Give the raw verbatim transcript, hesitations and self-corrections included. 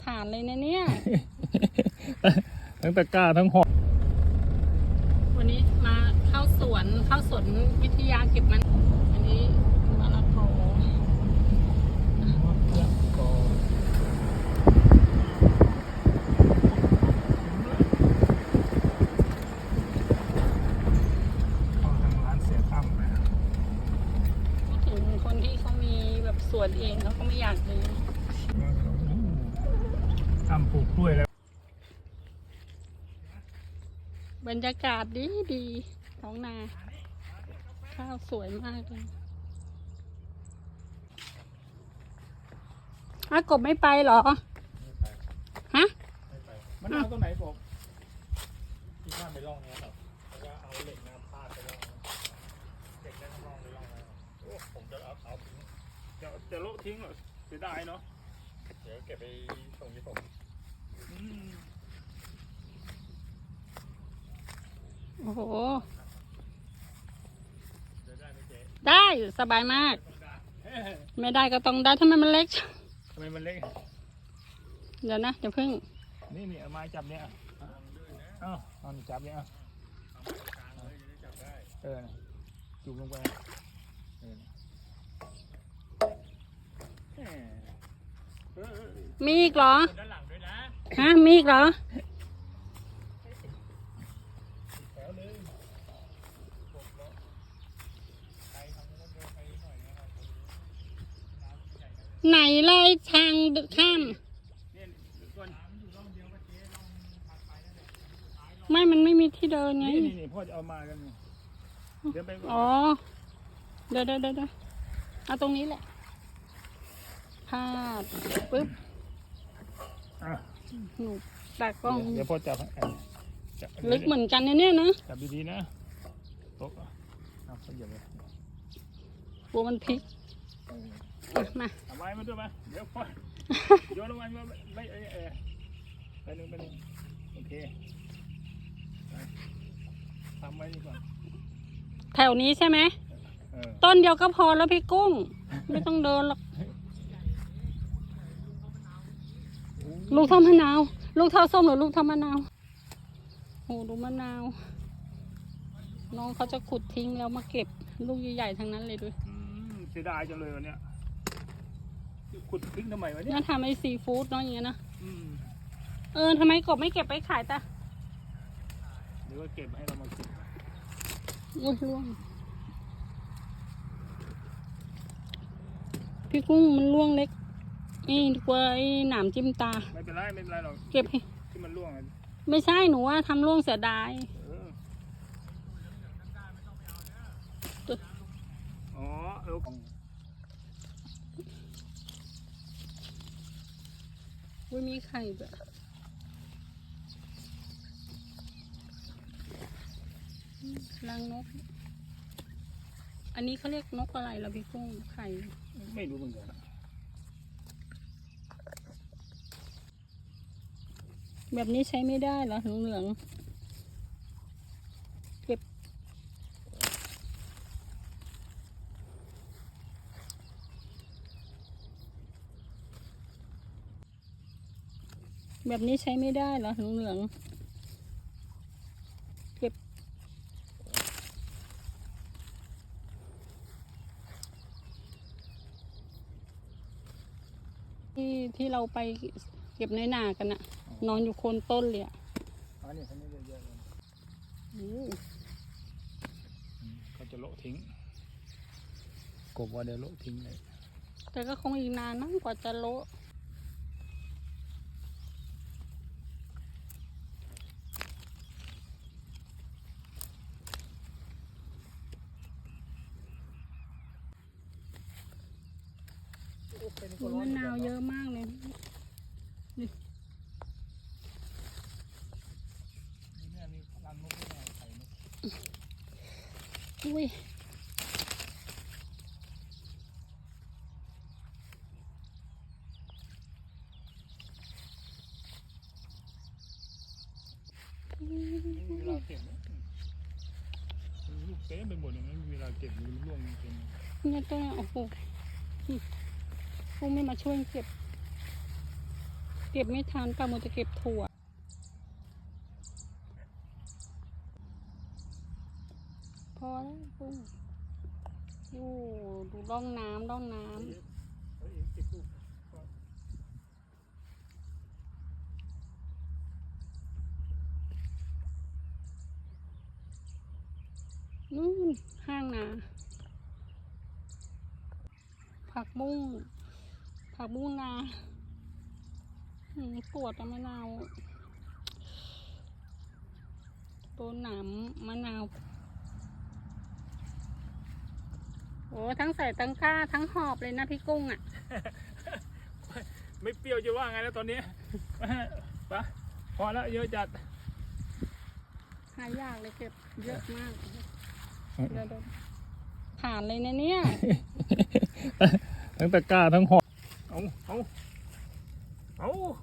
ฐานเลยนะเนี่ยทั้งตะกร้าทั้งหอกวันนี้มาเข้าสวนเข้าสวนวิทยาเก็บมันอันนี้มะละกอพูดถึงคนที่เขามีแบบสวนเองเขาก็ไม่อยากเลยทำปลูกกล้วยแล้วบรรยากาศดีดีท้องนาข้าวสวยมากเลยอากบไม่ไปเหรอฮะมันเอาตรงไหนผมที่ข้ามไปล่องนี้หรอแล้วก็เอาเหล็กน้ำพาดไปล่องเหล็กน้ำล่องไปล่องแล้วโอ้ผมจะเอาเอาทิ้งจะจะโละทิ้งเหรอเสียดายเนาะเดี๋ยวเก็บไปส่งที่ผมโอ้โหได้สบายมากไม่ได้ก็ต้องได้ทำไมมันเล็กทำไมมันเล็กเดี๋ยวนะเดี๋ยวพึ่งนี่นี่เอาไม้จับเนี่ยเอ้าเอาจับเนี่ยเออจุ่มลงไปมีอีกเหรอฮะมีอีกเหรอไหนเลยทางข้ามไม่มันไม่มีที่เดินไงนี่นี่พ่อจะเอามากันเดี๋ยวไปอ๋อเดี๋ยวเดี๋ยวเดี๋ยวเอาตรงนี้แหละพาดปึ๊บหนูตากล้องเดี๋ยวพ่อจับลึกเหมือนกันเนี่ยนะจับดีๆนะโต๊ะเอาเขาเหยียบเลยกลัวมันพลิกมาเอาไม้มาด้วยมาเดี๋ยวพ่อโยนลงมาไม่เออไปหนึ่งไปหนึ่งโอเคทำไว้ดีกว่าแถวนี้ใช่ไหมต้นเดียวก็พอแล้วพี่กุ้งไม่ต้องเดินหรอกลูกเท่ามะนาวลูกเท่าส้มหรือลูกเท่ามะนาวโอ้ดูมะนาวน้องเขาจะขุดทิ้งแล้วมาเก็บลูกใหญ่ๆทั้งนั้นเลยด้วยเสียดายจังเลยวันเนี้ยขุดทิ้งทำไมวะเนี่ยน่าทำไอซีฟู้ดเนาะอย่างเงี้ยนะเออทำไมกบไม่เก็บไปขายตาหรือว่าเก็บให้เรามากินอุ้ยร่วงพี่กุ้งมันร่วงเล็กนี่กว่าไอ้หนามจิ้มตาไม่เป็นไรไม่เป็นไรหรอกเก็บให้ที่มันร่วงไม่ใช่หนูว่าทำร่วงเสียดายอ๋อเอออุ้ยมีไข่แบบรังนกอันนี้เขาเรียกนกอะไรล่ะพี่กุ้งไข่ไม่รู้เหมือนกันแบบนี้ใช้ไม่ได้เหรอเหลืองเก็บแบบนี้ใช้ไม่ได้เหรอเหลืองเก็บที่ที่เราไปเก็บในนากันอะนอนอยู่โคนต้นเลยอะอ๋อนี่เขาไม่เยอะๆเลยเขาจะโละทิ้งกบว่าเดี๋ยวโละทิ้งเลยแต่ก็คงอีกนานมั้งกว่าจะโละมะนาวเยอะมากเลยนี่อุ้ยเวลาเก็บลูกเต็มไปหมดเลยนะเวลาเก็บมันร่วงเต็มเนี่ยตัวโอ้โหพวกไม่มาช่วยเก็บเก็บไม่ทันป้าโมจะเก็บถั่วพอแล้วปุ้งโอ้ดูร่องน้ำร่องน้ำนู่นห้างนาผักบุ้งผักบุ้งนาอืมปวดอะมะนาวตัวหนามมะนาวโอ้ทั้งใส่ทั้งก้าทั้งหอบเลยนะพี่กุ้งอ่ะไม่เปรี้ยวจะว่าไงแล้วตอนนี้ ปะพอแล้วเยอะจัดหายากเลยเก็บเยอะมากเดี๋ยวผ่านเลยนะเนี่ยทั้งตะกร้าทั้งหอบเอาเอาเอา